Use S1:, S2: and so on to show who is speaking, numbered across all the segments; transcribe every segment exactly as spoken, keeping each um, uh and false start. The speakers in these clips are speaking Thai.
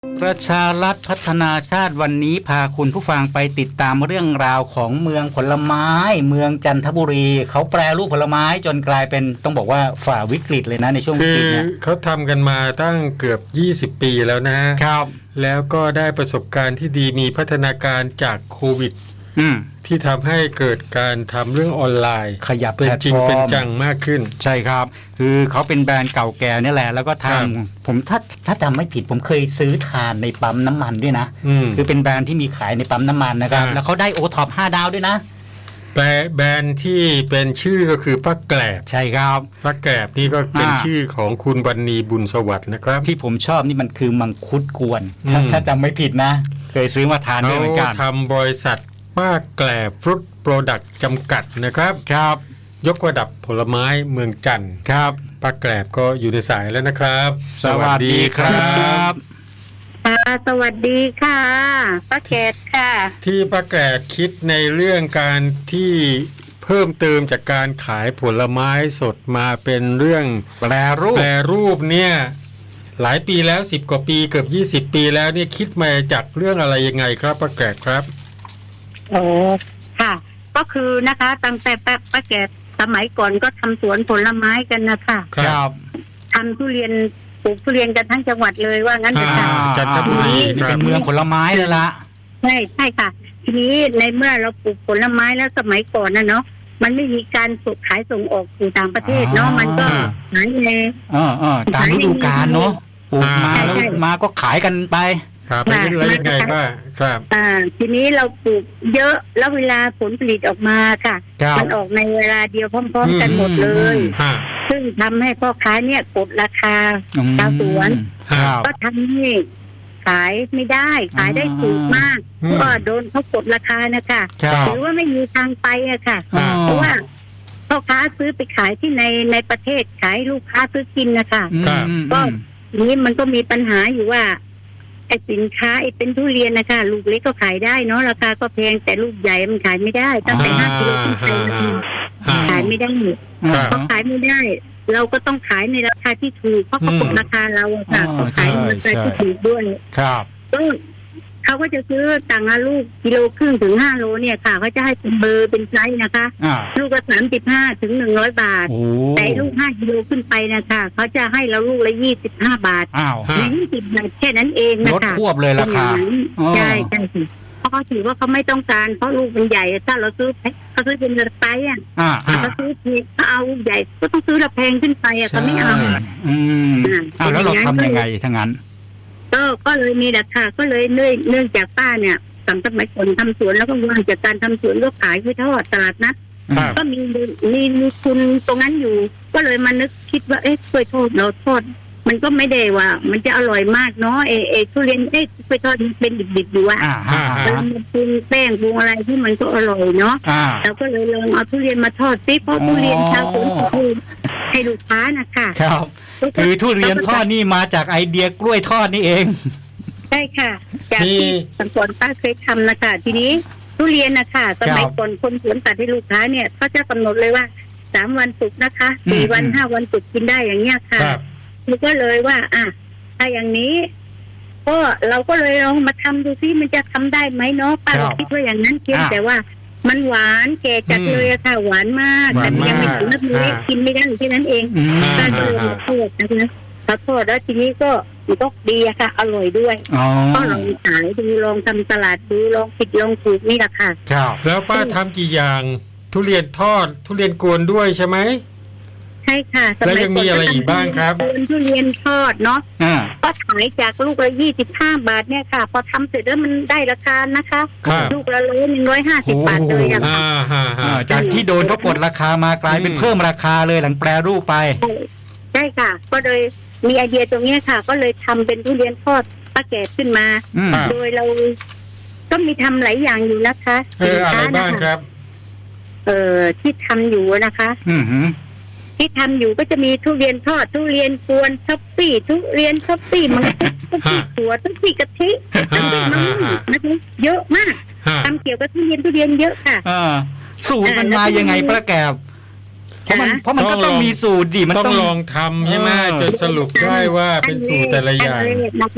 S1: ประชารัฐพัฒนาชาติวันนี้พาคุณผู้ฟังไปติดตามเรื่องราวของเมืองผลไม้เมืองจันทบุรีเขาแปรรูปผลไม้จนกลายเป็นต้องบอกว่าฝ่าวิกฤตเลยนะในช่วงวิกฤตเนี่ย
S2: คือเขาทำกันมาตั้งเกือบยี่สิบปีแล้วนะครับแล้วก็ได้ประสบการณ์ที่ดีมีพัฒนาการจากโควิดที่ทำให้เกิดการทำเรื่องออนไลน์
S1: ขยับ
S2: เป็นจริงเป็นจังมากขึ้น
S1: ใช่ครับคือเขาเป็นแบรนด์เก่าแก่นี่แหละแล้วก็ทำผมถ้าถ้าจำไม่ผิดผมเคยซื้อทานในปั๊มน้ำมันด้วยนะคือเป็นแบรนด์ที่มีขายในปั๊มน้ำมันนะครับแล้วเขาได้โอท็อปห้าดาวด้วยนะ
S2: แบรนด์ที่เป็นชื่อก็คือป้าแกลบ
S1: ใช่ครับ
S2: ป้าแกลบนี่ก็เป็นชื่อของคุณวรรณีบุญสวัสดิ์นะครับ
S1: ที่ผมชอบนี่มันคือมังคุดกวนถ้าจำไม่ผิดนะเคยซื้อมาทานด้วยเหมือนกัน
S2: ทำบริษัทป้าแกลบฟรุตโปรดักต์จำกัดนะครับ
S1: ครับ
S2: ยกระดับผลไม้เมืองจันทร์
S1: ครับ
S2: ป้าแกลบก็อยู่ในสายแล้วนะครับ
S1: สวัสดีครับ
S3: ค่ะสวัสดีค่ะป้าแกลบค่ะ
S2: ที่ป้าแกลบคิดในเรื่องการที่เพิ่มเติมจากการขายผลไม้สดมาเป็นเรื่อง
S1: แปรรูป
S2: แปรรูปเนี่ยหลายปีแล้วสิบกว่าปีเกือบยี่สิบปีแล้วเนี่ยคิดมาจากเรื่องอะไรยังไงครับป้าแกลบครับ
S3: โอ้ค่ะก็คือนะคะตั้งแต่ป้าแกลบสมัยก่อนก็ทำสวนผลไม้กันนะคะ
S1: ครับ
S3: ทำทุเรียนปลูกทุเรียนกันทั้งจังหวัดเลยว่างั้นเถอะค่ะ
S2: จันทบุรี
S1: เป็นเมืองผลไม้เลยละ
S3: ใช่ใช่ค่ะทีนี้ในเมื่อเราปลูกผลไม้แล้วสมัยก่อนนะเนาะมันไม่มีการส่งขายส่งออกสู่ต่างประเทศเนาะมันก็ขายใน
S1: เออเออตามฤดูกาลเนาะปลูกมาแล้วมาก็ขายกันไป
S2: ครับเป็นยังไงบ้างครับ
S3: อ่าทีนี้เราปลูกเยอะแล้วเวลาผลผลิตออกมาค่ะมันออกในเวลาเดียวพร้อมๆกันหมดเลยซึ่งทำให้พ่อค้าเนี่ยกดราคาชาวสวนก็ทำให้ขายไม่ได้ขายได้ถูกมากก็โดนเขากดราคานะคะหรือว่าไม่มีทางไปอะค่ะเพราะว่าพ่อค้าซื้อไปขายที่ในในประเทศขายลูกค้าซื้อกินนะคะก็นี้มันก็มีปัญหาอยู่ว่าไอ้สินค้าไอ้เป็นทุเรียนนะคะลูกเล็กก็ขายได้เนาะราคาก็แพงแต่ลูกใหญ่มันขายไม่ได้ตั้งแต่ห้ากิโลขึ้นไปขายไม่ได้เพราะขายไม่ได้เราก็ต้องขายในราคาที่ถูกเพราะเขากดราคาเราค่ะเขาขายในราคาที่ถูกด้วย
S1: ครับ
S3: ก็เขาก็จะซื้อต่างละลูกกิโลครึ่งถึงห้าโลเนี่ยค่ะเขาจะให้เป็นเบอร์เป็นไซส์นะคะลูกละสามสิบห้าถึงหนึ่งร้อยบาทแต่ลูกห้ากิโลขึ้นไปนะคะเขาจะให้เราลูกละยี่สิบห้าบาทยี่สิบบาทแค่นั้นเองนะคะ
S1: ลดควบเลยราคา
S3: ใช่ใช่เพราะเขาถือว่าเขาไม่ต้องการเพราะลูกมันใหญ่ถ้าเราซื้อเขาซื้อเป็นไซส์อ่ะเขาซื้อเขาเอาใหญ่ก็ต้องซื้อราแพงขึ้นไปอ่ะเขาไม่เอา
S1: อืมอ้าวแล้วเราทำยังไงทั้งนั้น
S3: ก็ก็เลยมีราคาก็เลยเนื่องเนื่องจากป้าเนี่ยตั้งแต่สมัยก่อนทำสวนแล้วก็ว่างจากการทำสวนก็ขายไปทอดตลาดนัดก็มีมีมีทุนตรงนั้นอยู่ก็เลยมานึกคิดว่าเอ๊ะกล้วยทอดเราทอดมันก็ไม่ได้ว่ามันจะอร่อยมากเนาะเอเอทุเรียนเอ๊ะกล้วยทอดมันเป็นดิบๆอยู่อ่ะแล้วมันปรุงแป้งปรุงอะไรที่มันก็อร่อยเนาะเราก็เลยลองเอาทุเรียนมาทอดซิเพราะทุเรียนชาวสวนคือให้ลูกค้านะคะ
S1: ครับคือทุเรียนทอดนี่มาจากไอเดียกล้วยทอดนี่เอง
S3: ใช่ค่ะจากที่สังกรป้าเคยทำนะคะทีนี้ทุเรียนนะคะสมัยก่อนคนสวนตัดให้ลูกค้าเนี่ยเขาจะกำหนดเลยว่าสามวันสุกนะคะสี่วันห้าวันสุกกินได้อย่างเงี้ยค่ะคือก็เลยว่าอ่ะถ้าอย่างนี้ก็เราก็เลยลองมาทำดูซิมันจะทำได้ไหมเนาะป้าคิดว่าอย่างนั้นเพียงแต่ว่ามันหวานแก่จัดเลยอะค่ะหวานมากแต่ยังไม่ถึงน้ำเล็กกินไม่ได้แค่นั้นเองป้าก็เลยมาโทษนะคะขอโทษแล้วทีนี้ก็มันก็ดีอะค่ะอร่อยด้วยก็ลองขายดูลองทำตลาดดูลองผิดลองถูกนี่แหละค่ะ
S2: แล้วป้าทำกี่อย่างทุเรียนทอดทุเรียนกวนด้วยใช่ไหม
S3: ใช่ค่ะ
S2: แล้วยังมีอะไรอีกบ้างครับ
S3: ทุเรียนทอดเนาะก็ขายจากลูกละยี่สิบห้าบาทเนี่ยค่ะพอทำเสร็จแล้วมันได้ราคานะคะลูกละร้อยหนึ่งร้อยห้าสิบบาทเลยอะค่ะ
S1: จากที่โดนเขากดราคามากลายเป็นเพิ่มราคาเลยหลังแปรรูปไป
S3: ใช่ค่ะก็เลยมีไอเดียตรงนี้ค่ะก็เลยทำเป็นทุเรียนทอดป้าแกะขึ้นมาโดยเราก็มีทำหลายอย่างอยู่นะคะ
S2: เอออะไรบ้างครับ
S3: เออที่ทำอยู่นะคะ
S1: อือ
S3: ที่ทำอยู่ก็จะมีทุเรียนทอดทุเรียนกวนท็อปปี้ทุเรียนท็อปปี้มังคุดท็อปปี้ถั่วท็อปปี้กะทิท็อปปี้มะม่วงนะคะเยอะมากทำเกี่ยวกับทุเรียนทุเรียนเยอะค่ะ
S1: สูตรมันมายังไงป้าแกบเพราะมันเพราะมันก็ต้องมีสูตรดิมัน
S2: ต้องลองทำใช่ไหมจนสรุปได้ว่าเป็นสูตรแต่ละอย่าง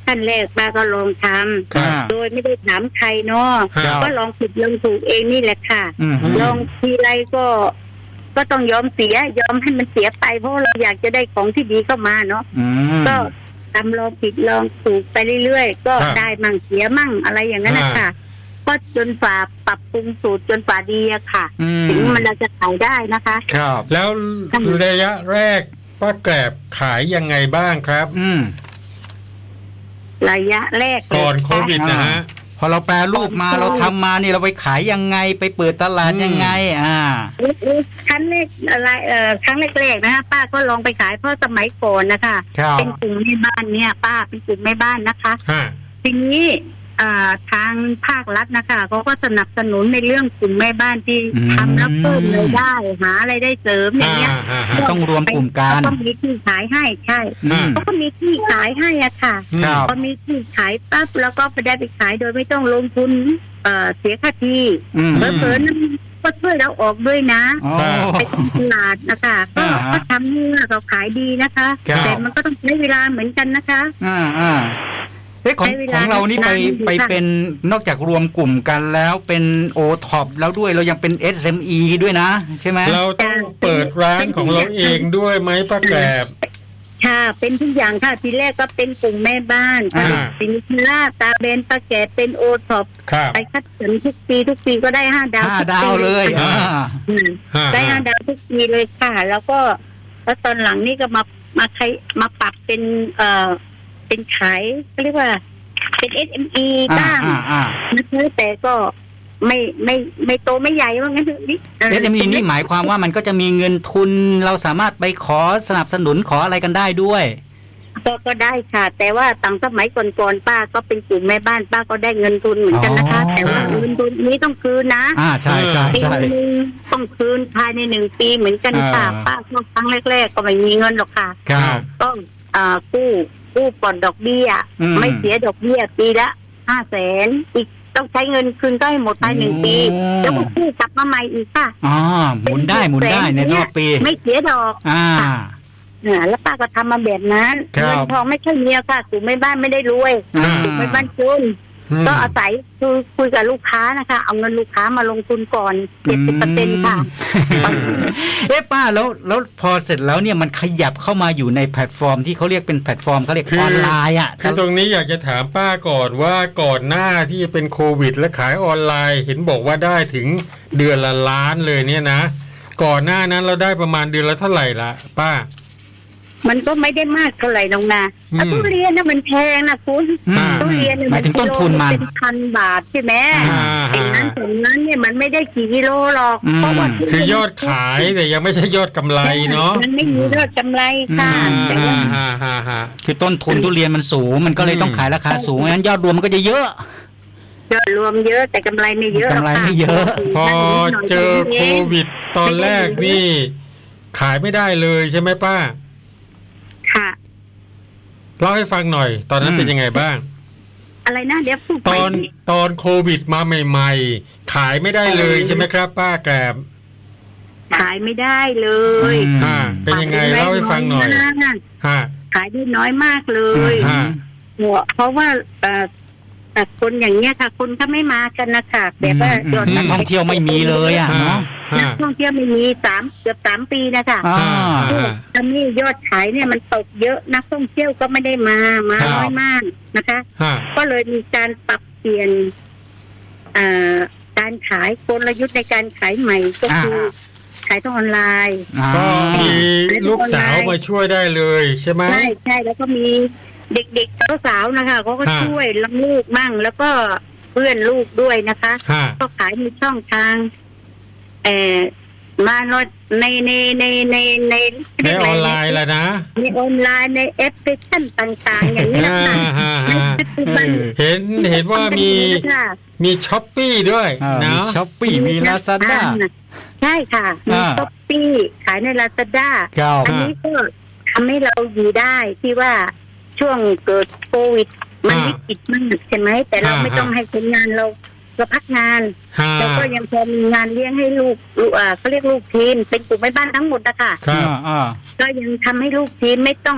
S3: ขั้นแรกป้าก็ลองท
S2: ครับ
S3: ำโดยไม่ได้ถามใครเนาะ
S2: ครับ
S3: ก็ลองผิดลองถูกเองนี่แหละค่ะ
S1: อืม
S3: ลองทีไรก็ ก็ต้องยอมเสีย ยอมให้มันเสียไปเพราะเราอยากจะได้ของที่ดีเข้ามาเนาะ
S1: อืม
S3: ก็ทำลองผิดลองถูกไปเรื่อยๆก็
S2: ครับ
S3: ได้มั่งเสียมั่งอะไรอย่างนั้นนะ
S2: อ่า
S3: ค่ะ ก็จนฝ่าปรับปรุงสูตรจนฝ่าดีอะค่ะ
S1: อืม
S3: ถึงมันเราจะขายได้นะคะ
S1: ครับ
S2: แล้วระยะแรกป้าแกรบขายยังไงบ้างครับ
S1: อืม
S3: ระยะแรก
S2: ก่อนโควิดนะฮะ
S1: พอเราแปลรูปมาเราทำมานี่เราไปขายยังไงไปเปิดตลาดยังไง อ่า
S3: ครั้งแรกอะไรเอ่อครั้งแรกๆนะคะป้าก็ลองไปขายเพราะสมัยก่อนนะคะ
S1: ครับ
S3: เป็นกลุ่มแม่บ้านเนี่ย ป้าเป็นกลุ่มแม่บ้านนะคะ
S2: ฮะ
S3: ทีนี้อ่าทางภาครัฐนะคะเขาก็สนับสนุนในเรื่องกลุ่มแม่บ้านที่
S1: อืม
S3: ทำแล้วเพิ่มรายได้หาอะไรายได้เสริมอย่างเงี้ย
S2: ฮะฮะ
S1: ต้องรวมกลุ่มกัน
S3: ก็มีที่ขายให้ใช่
S1: อืม
S3: เขาก็มีที่ขายให้อะค่ะ
S1: ครับ
S3: พอมีที่ขายปั๊บแล้วก็ไปได้ไปขายโดยไม่ต้องลงทุนเอ่อเสียค่าที่
S1: อืม
S3: เผลอๆนั้นก็ช่วยเราออกด้วยนะ
S1: อ๋อ
S3: ไปทำตลาดนะคะก็
S1: อ่าฮะ
S3: ก็ทำให้เราขายดีนะคะ
S1: ครับ
S3: แต่มันก็ต้องใช้เวลาเหมือนกันนะคะ
S1: อ่าอ่าเอ๊ะของ
S3: ใช้เว
S1: ข
S3: ลา
S1: องเรานี่ไป
S3: นานอยู่
S1: ไป
S3: ค่ะ
S1: เป็นนอกจากรวมกลุ่มกันแล้วเป็นโอท็อปแล้วด้วยเรายังเป็น เอส เอ็ม อี ด้วยนะ ใช่ไหม
S2: เราต้องเปิดร้านของเราเองด้วยไหมป้าแกรบ
S3: ค่ะเป็นทุกอย่างค่ะทีแรกก็เป็นกลุ่มแม่บ้าน
S2: อ่า
S3: สินค้าตาเบนตาแก่เป็นโอท็อป
S2: ครับ
S3: ไปคัดสรรทุกปีทุกปีก็ได้ห้าดาว
S1: ห้า
S3: ทุก
S1: ดา
S3: ปี
S1: วเลย
S3: ค่ะ
S1: อ่า
S3: อืม
S2: ฮะ
S3: ได้ห้าดาวทุกปีเลยค่ะ แล้วก็แล้วตอนหลังนี่ก็มามาใช้มาปรับเป็นเอ่อเป็นขายก็เรียกว่าเป็น เอส เอ็ม อี
S1: อ่า
S3: บ้าง
S1: อ่าอ่า
S3: นะคะแต่ก็ไม่ไม่ไม่โตไม่ใหญ่ว่างั้นเถอะนี่
S1: เอส เอ็ม อี นี่หมายความว่ามันก็จะมีเงินทุนเราสามารถไปขอสนับสนุนขออะไรกันได้ด้วย
S3: ก็ก็ได้ค่ะ แต่ว่าต่างสมัยก่อนๆป้าก็เป็นกลุ่มแม่บ้านป้าก็ได้เงินทุนเหมือนกันนะคะ
S1: อ๋อ
S3: แต่ว่าเงินทุนนี้ต้องคืนนะ
S1: อ่าใช่ใช่
S3: ปี
S1: ใช่
S3: นึงต้องคืนภายในหนึ่งปีเหมือนกันค่ะ
S1: อ่า
S3: ป้าก็ครั้งแรกๆก็ไม่มีเงินหรอกค่ะ
S1: ครับ
S3: ต้องอ่ากู้กู้ปลอดดอกเบี้ย
S1: อืม
S3: ไม่เสียดอกเบี้ยปีละห้าแสนอีกต้องใช้เงินคืนก็ให้หมดภายในหนึ่งปี
S1: โอ้
S3: แล้วก็กู้กลับมาใหม่อีกค่ะ
S1: อ๋อหมุนได้หมุนได้ในรอบปี
S3: ไม่เสียดอก
S1: อ่า
S3: อ่าแล้วป้าก็ทำมาแบบนั้น
S1: ครับ
S3: เงินทองไม่ใช่เมียค่ะกลุ่มแม่บ้านไม่ได้รวย
S1: อ่า
S3: กลุ่มแม่บ้านจน
S2: อืม
S3: ก็อาศัยคือคุยกับลูกค้านะคะ เอาเงินลูกค้ามาลงทุนก่อนเจ็ดสิบเปอร์เซ็นต์ค่ะ
S1: เอ๊ะป้าแล้วแล้วพอเสร็จแล้วเนี่ยมันขยับเข้ามาอยู่ในแพลตฟอร์มที่เขาเรียกเป็นแพลตฟอร์มเขาเรียก
S2: คือ
S1: ออนไลน์อ่ะ
S2: คือตรงนี้อยากจะถามป้าก่อนว่าก่อนหน้าที่จะเป็นโควิด และขายออนไลน์เห็นบอกว่าได้ถึงเดือนละล้านเลยเนี่ยนะ ก่อนหน้านั้นเราได้ประมาณเดือนละเท่าไหร่ละป้า
S3: มันก็ไม่ได้มากเท่าไหร่น้องนา
S2: อืม
S3: ทุเรียนนะมันแพงนะคุณ
S1: อืม
S3: ทุเรียนเนี่ย
S1: หมายถึงต้นทุนมัน
S3: เป็นพันบาทใช่ไหม
S2: อ่า
S3: ไอ้นั้นถึงนั้นเนี่ยมันไม่ได้กี่กิโลหรอก
S1: อืม
S3: เพราะว่าทุเรีน
S2: คือยอดขายแต่ยังไม่ใช่ยอดกำไรเนาะ
S3: มันไม่มียอดกำไรค่ะ
S1: อืม
S3: แต่ว่า
S2: ฮ่าฮ่าฮ่า
S1: คือต้นทุนทุเรียนมันสูง มันก็เลยต้องขายราคาสูงงั้นยอดรวมมันก็จะเยอะ
S3: ยอดรวมเยอะแต่กำไรไม่เยอะหรอก
S1: กำไร
S3: ค่ะ
S1: ไม่เยอะ
S2: พอเจอโควิดตอนแรกนี่ ขายไม่ได้เลยใช่ไหมป้า
S3: ค่ะ
S2: เล่าให้ฟังหน่อย ตอนนั้น
S1: อืม
S2: เป็นยังไงบ้าง
S3: อะไรนะเดี๋ยวพูด
S2: ต
S3: ไป
S2: อนตอนโควิดมาใหม่ๆ ขายไม่ได้เลยใช่ไหมครับ ป้าแกรบ
S3: ขายไม่ได้เลย
S1: อืม
S2: อ่าเป็นยังไงเล่าให้ฟังหน่อย
S3: ขายได้
S2: ฮะ
S3: ขายได้น้อยมากเลย
S2: ฮะ
S3: เพราะว่าเอ่อแต่คนอย่างเงี้ยค่ะ คนก็ไม่มากันนะคะแบบว่า
S1: อืม
S3: ยอด
S1: นักท่องเที่ยวไม่มีเลยอ่ะ
S2: ฮะ
S1: เนาะ
S3: นั
S2: ฮะ
S3: กท่องเที่ยวไม่มีสามเกือบสามปีนะคะ
S1: อ่า
S2: อ่า
S3: ตอนนี้ยอดขายเนี่ยมันตกเยอะนักท่องเที่ยวก็ไม่ได้มามา
S2: ครับ
S3: น้อยมากนะคะ
S2: ฮะ
S3: ก็เลยมีการปรับเปลี่ยนเอ่อการขายกลยุทธ์ในการขายใหม่ก็คือขายทางออนไลน์
S1: อ่า
S2: ก็มีลูกสาวมาช่วยได้เลยใช่ไหม
S3: ใช่ใช่แล้วก็มีเด็กๆสาวๆนะคะเขาก็
S2: ฮะ
S3: ช่วยลังลูกมั่ง แล้วก็เพื่อนลูกด้วยนะคะ
S2: ฮะ
S3: ก็ขายในช่องทางเอ่อมาในในในในใน
S2: ในออนไลน์แหละนะ
S3: ในออนไลน์ในแอปพลิเคชันต่างๆ อย่างนี้นะ
S2: ฮ่า
S3: คะ
S2: ฮ่า
S3: ใน
S2: ฮ่า
S3: ปัจจุบัน
S2: เห็นเห็นว่ามี
S3: ค่ะ
S2: มีช้อปปี้ด้วย
S1: อ่ามี
S2: นะ
S1: ช้อปปี้มีลาซาด้า
S3: ใช่ค่ะมี
S1: อ่า
S3: ช้อปปี้ขายในลาซาด้า
S1: ครับ
S3: อันนี้ก็ทำให้เราอยู่ได้ที่ว่าช่วงเกิดโควิด มัน
S2: อ่า
S3: วิกฤตมากใช่ไหมแต่เรา
S2: อ่า
S3: ไม่ต้องให้คนงานเราเราพักงาน
S2: ฮะ
S3: แล้วก็ยังพอมีงานเลี้ยงให้ลูกลูกอ่าเขาเรียกลูกทีมเป็นกลุ่มแม่บ้านทั้งหมดนะคะ
S2: ครับ
S1: อ่า
S3: ก็ยังทำให้ลูกทีมไม่ต้อง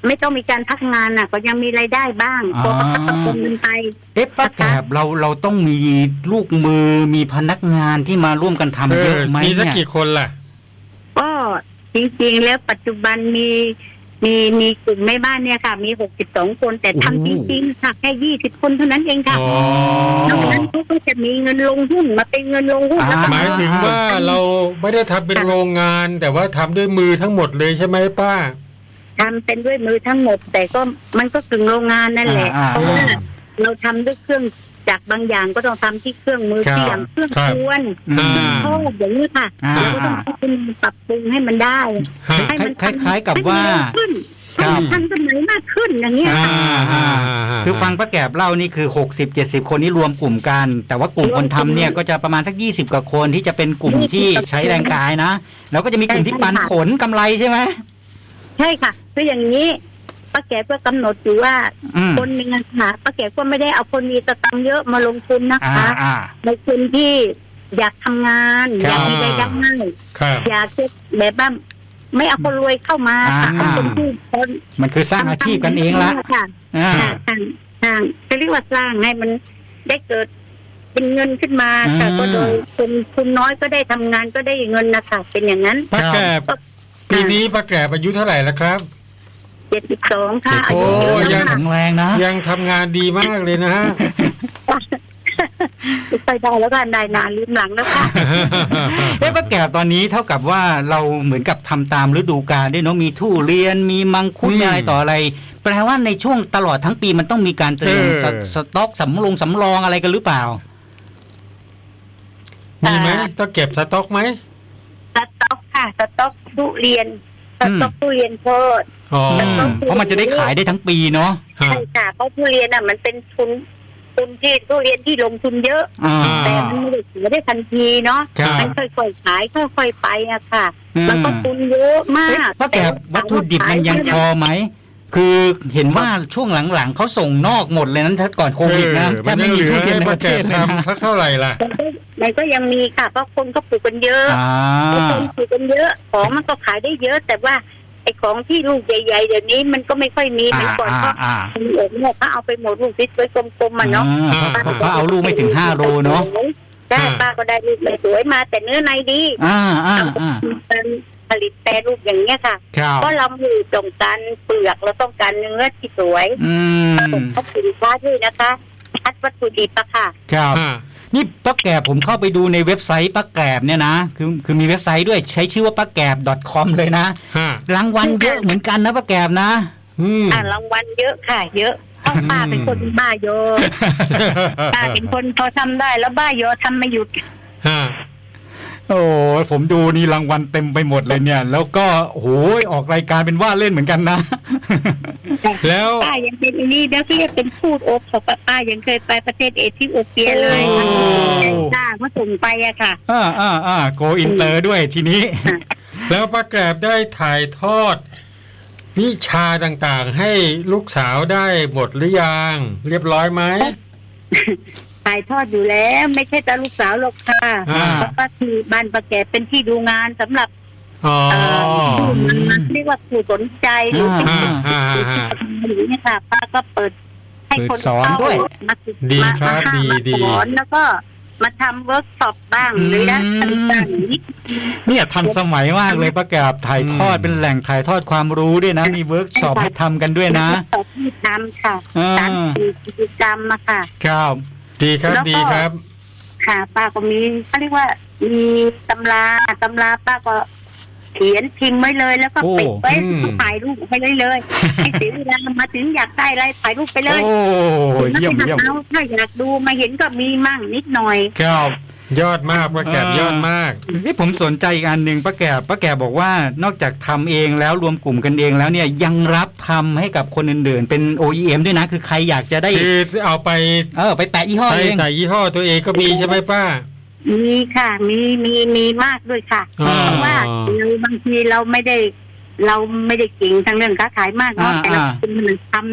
S3: ไม่ต้องมีการพักงานน่ะ ก็ยังมีรายได้บ้างพอประกันสังคมมันไป
S1: เอ๊ะป้าแกบเราเราต้องมีลูกมือมีพนักงานที่มาร่วมกันทำเยอะไหมเนี่ยมี
S2: สักกี่คนล่ะ
S3: ก็จริงๆแล้วปัจจุบันมีมีมีกลุ่มแม่บ้านเนี่ยค่ะมีหกสิบสองคนแต่ทำจริงๆค่ะแค่ยี่สิบคนเท่านั้นเองค่ะนอกนั้นเขาก็จะมีเงินลงหุ้นมาเป็นเงินลงหุ้น
S2: หมายถึงว่าเราไม่ได้ทำเป็นโรงงานแต่ว่าทำด้วยมือทั้งหมดเลยใช่ไหมป้า
S3: ทำเป็นด้วยมือทั้งหมดแต่ก็มันก็กึ่งโรงงานนั่นแหละเพราะว่าเราทำด้วยเครื่องจากบางอย่างก็ต้องทำที่เครื่องมือที่อย่างเครื่องควนโอ้อย่างนี้ค่ะเราก็ต้องปรับปรุงให้มันได้
S1: ให้มันคล้ายๆกับว่า
S3: ทันสมัยมากขึ้นอย่างเงี้ย
S1: คือฟังป้าแกบเล่านี่คือ หกสิบเจ็ดสิบ คนนี่รวมกลุ่มกันแต่ว่ากลุ่มคนทำเนี่ยก็จะประมาณสักยี่สิบกว่าคนที่จะเป็นกลุ่มที่ใช้แรงกายนะแล้วก็จะมีกลุ่มที่ปันผลกำไรใช่ไหม
S3: ใช่ค่ะคืออย่างนี้ป้าแกก็กำหนดอยู่ว่าคนมีเงินค่ะป้าแกก็ไม่ได้เอาคนมีสตังค์เยอะมาลงทุนนะคะในคนที่อยากทำงานอยากมีรายได้อยากจะแบบว่าไม่เอาคนรวยเข้ามาค่ะเอาคนที่คน
S1: มันคือสร้างอาชีพกันเองละ
S3: ค่ะสร้างสร้างจะเรียกว่าสร้างให้มันได้เกิดเป็นเงินขึ้นมาแต่ก็โดยคนคุณน้อยก็ได้ทำงานก็ได้เงินนะคะเป็นอย่างนั้น
S2: ป้าแกปีนี้ป้าแกอายุเท่าไหร่แล้วครับ
S3: เจ็ดสิบสองค่ะ
S2: โอ้ยัง
S1: แข็งแรงนะ
S2: ยังทำงานดีมากเลยนะฮะ
S3: ไปได้แล้วกันได้นานลืมหลังแล้วค่ะ
S1: เอ๊ะป้าแกตอนนี้เท่ากับว่าเราเหมือนกับทำตามฤดูกาลด้วยเนาะมีทุเรียนมีมังคุดอะไรต่ออะไรแปลว่าในช่วงตลอดทั้งปีมันต้องมีการเตรียมสต็อกสำรองสำรองอะไรกันหรือเปล่า
S2: มีไหมต้องเก็บสต็อกไหม
S3: สต็อกค่ะสต็อกทุเรียนสต็อกทุเรียนโพด
S1: เพราะมันจะได้ขายได้ทั้งปีเนาะ
S3: ใช่ค่ะเพราะทุเรียนอ่ะมันเป็นทุนทุนที่ทุเรียนที่ลงทุนเยอะแต่มันไม่ได้ขายได้ทันทีเนาะมันค่อยๆขายค่อยๆไปอะค่ะมันก็ทุนเยอะมาก
S1: ป้าแกวัตถุดิบมันยังพอไหมคือเห็นว่าช่วงหลังๆเขาส่งนอกหมดเลยนั้นถ้าก่อนโควิดนะ
S2: ถ้าไม่มีทุเรียนในประเทศทำสักเท่าไหร่ล่ะ
S3: มันก็ยังมีค่ะเพราะคนก็ปลูกกันเยอะคนปลูกกันเยอะของมันก็ขายได้เยอะแต่ว่าไอ้ของที่ลูกใหญ่ๆเดี๋ยวนี้มันก็ไม่ค่อยมีเหมือนก่อนเพราะมีเอกเนี่ยเขาเอาไปหมดลูกซิสวยกลมๆมันเนาะ
S1: เขาเอาลูกไม่ถึงห้าโลเนาะ
S3: ได้ป้าก็ได้ลูกสวยมาแต่เนื้อในดี
S1: อ่าอ่าอ่า
S3: ผลิตแปรรูปอย่างเงี้ยค่ะเพราะเราอยู่ตรงการเปลือกเราต้องการเนื้อที่สวยผมเขาสินค้าด้วยนะคะคัดวัตถุดิบอะค่ะ
S1: ครับนี่ป้าแกบผมเข้าไปดูในเว็บไซต์ป้าแกบเนี่ยนะคือคือมีเว็บไซต์ด้วยใช้ชื่อว่าป้าแกบ .com เลยนะรางวัลเยอะเหมือนกันนะป้าแกบนะ
S3: อ่ารางวัลเยอะค่ะเยอะเพราะป้าเป็นคนบ้าโยป้าเป็นคนพอทำได้แล้วบ้าโยทำไม่หยุด
S1: โอ้ผมดูนี่รางวัลเต็มไปหมดเลยเนี่ยแล้วก็โหยออกรายการเป็นว่าเล่นเหมือนกันนะ
S2: แล้ว
S3: ป้ายังเป็นนี่แล้วที่เป็นพูดโอ๊บของป้ายังเคยไปประเทศเอธิโอเปียเลยป้าเขาส่งไปอะค่ะ
S1: อ่าอ่าอ่าโกอินเตอร์ด้วยทีนี้
S2: แล้วป้าแกรบได้ถ่ายทอดวิชาต่างๆให้ลูกสาวได้หมดหรือยังเรียบร้อยไหม
S3: ถ่ายทอดอยู่แล้วไม่ใช่แต่ลูกสาวหรอกค่ะเพราะว่าที่บ้านป้าแกเป็นที่ดูงานสำหรับเรียกว่าผู้สนใจหรือเป็นหรือเนี่ยค่ะป้าก็เปิดให้คน
S1: สอนด้วย
S2: ดีครับดีดี
S3: สอนแล้วก็มาทำเวิร์กช็อปบ้างหรือนะต่างๆ
S1: เนี่ยทันสมัยมากเลยป้าแกบถ่ายทอดเป็นแหล่งถ่ายทอดความรู้ด้วยนะมีเวิร์กช็อปให้ทำกันด้วยนะ
S3: ที่ทำค่ะการกิจกรรมอะค่ะ
S1: ครับ
S2: ดีครับดีครับ
S3: ค่ะป้าก็มีเขาเรียกว่ามีตำราตำราป้าก็เขียนพิมพ์ไว้เลยแล้วก็ปิดไว้ถ่ายรูปไปเลยเลยให้เสียเวลามาถึงอยากได้อะไรถ่ายรูปไปเลย
S1: โอ้เยี่ยมเยี่ยม
S3: ถ้าอยากดูมาเห็นก็มีมั่งนิดหน่อย
S2: ครับยอดมากป้าแกบยอดมาก
S1: ที่ผมสนใจอีกอันหนึ่งป้าแกบป้าแกบบอกว่านอกจากทำเองแล้วรวมกลุ่มกันเองแล้วเนี่ยยังรับทำให้กับคนอื่นๆเป็น โอ อี เอ็ม ด้วยนะคือใครอยากจะได้
S2: คือเอาไป
S1: เออไปแตะยี่ห้อเอง
S2: ใส่ยี่ห้อตัวเองก็มีใช่ไหมป้า
S3: มีค่ะมีมีมีมากด้วยค่ะเพราะว่าเราบางทีเราไม่ได้เราไม่ได้เก่งทางเรื่องค้าขายมากเนาะแต่เราเป็นคนทำเนาะ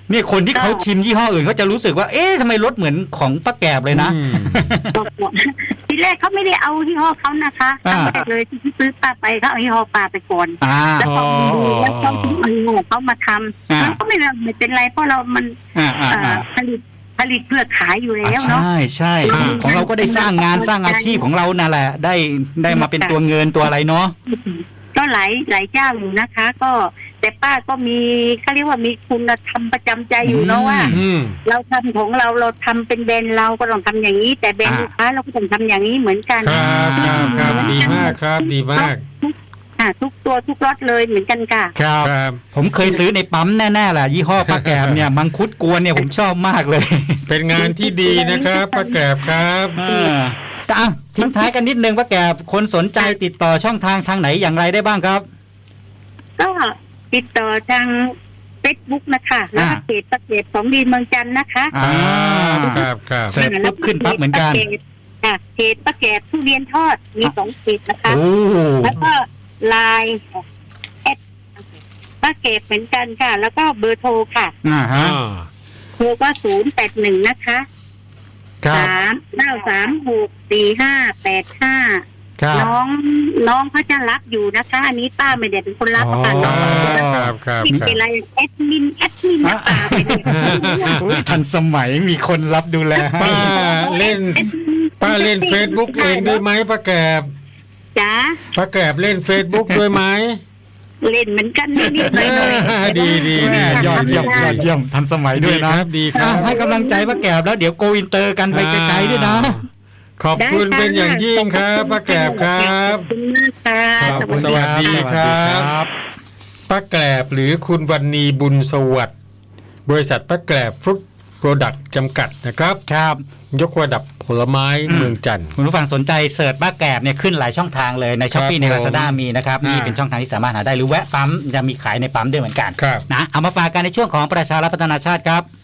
S1: นี่คนที่เขาชิมยี่ห้ออื่นเขาจะรู้สึกว่าเอ๊ะทำไมรสเหมือนของป้าแกบเลยนะ
S3: ทีแรกเขาไม่ได้เอายี่ห้อเขานะคะครั้งแรกเลยที่ซื้อปลาไปเขาเอายี่ห้อปลาไปก่อนแล้วพอดูแล้วเขาเอายี่ห้อเขามาทำมันก็ไม่ไม่เป็นไรเพราะเรามันผลิตผลิตเพื่อขายอยู่แล้วเนาะ
S1: ใช่ใช่ของเราก็ได้สร้างงานสร้างอาชีพของเรานั่นแหละได้ได้มาเป็นตัวเงินตัวอะไรเนาะ
S3: ก็หลายหลายเจ้าอยู่นะคะ ก็แต่ป้าก็มีเขาเรียกว่ามีคุณธรรมประจำใจอยู่เนาะว่าเราทำของเราเราทำเป็นแบรนด์เราก็ต้องทำอย่างนี้แต่แบรนด์ลูกค้าเราก็ต้องทำอย่างนี้เหมือนกัน
S2: ครับครับดีมากครับดีมาก
S3: ทุกตัวทุกรสเลยเหมือนกันค่ะ
S1: ครับผมเคยซื้อในปั๊มแน่ๆแหละยี่ห้อป้าแกบเนี่ยมังคุดกวนเนี่ยผมชอบมากเลย
S2: เป็นงานที่ดีนะครับป้าแกบครับ
S1: อ่ะทิ้งท้ายกันนิดนึงป้าแกบคนสนใจติดต่อช่องทางทางไหนอย่างไรได้บ้างครับ
S3: ก็ติดต่อทางเฟซบุ๊กนะคะแล้วก็เพจป้าแกบของดีเมืองจันทร์นะคะ
S2: อ่าครับครับ
S1: เสร็จปุ๊บขึ้นปั๊บเหมือนกัน
S3: ค่ะเพจป้าแกบทุเรียนทอดมีสองเพจนะคะแล้วก็ไลน์แอดป้าแกบเหมือนกันค่ะแล้วก็เบอร์โทรค่ะ
S1: อ่าฮะ
S3: โทรก็ศูนย์แปดหนึ่งนะคะสามเก้าสามหกสี่ห้าแปดห้าน้องน้องเขาจะรับอยู่นะคะอันนี้ป้าไม่ได้เป็นคนรับค่ะน้องมีอะไรแอดมินแอดมินป้าไปเลย
S1: ทันสมัยมีคนรับดูแล
S2: ป้าเล่นป้าเล่น Facebook เองด้วยไหมป้าแกบ
S3: จ้า
S2: ป้าแกบเล่น Facebook ด้วยไหม
S3: เล่นเหมือนกันนิดๆหน่อย
S2: ๆดีดีดี
S1: ยอดเยี่ยมยอดเยี่ยมทันสมัยด้วยนะ
S2: ดีครับ
S1: ให้กำลังใจป้าแกบแล้วเดี๋ยวโกอินเตอร์กันไปไกลๆด้วยนะ
S2: ขอบคุณเป็นอย่างยิ่งครับป้าแกบครับ
S3: ขอบคุณมากค่ะ
S2: สวัสดีครับป้าแกบหรือคุณวรรณีบุญสวัสดิ์บริษัทป้าแกบฟรุตโปรดักต์จำกัดนะครับ
S1: ครับ
S2: ยกระดับผลไม้เมืองจันทร์
S1: คุณผู้ฟังสนใจเสิร์ชป้าแกบเนี่ยขึ้นหลายช่องทางเลยใน Shopee ใน Lazada มีนะครับนี่เป็นช่องทางที่สามารถหาได้หรือแวะปั๊มจะมีขายในปั๊มด้วยเหมือนกันนะเอามาฝากกันในช่วงของประชารัฐพัฒนาชาติครับ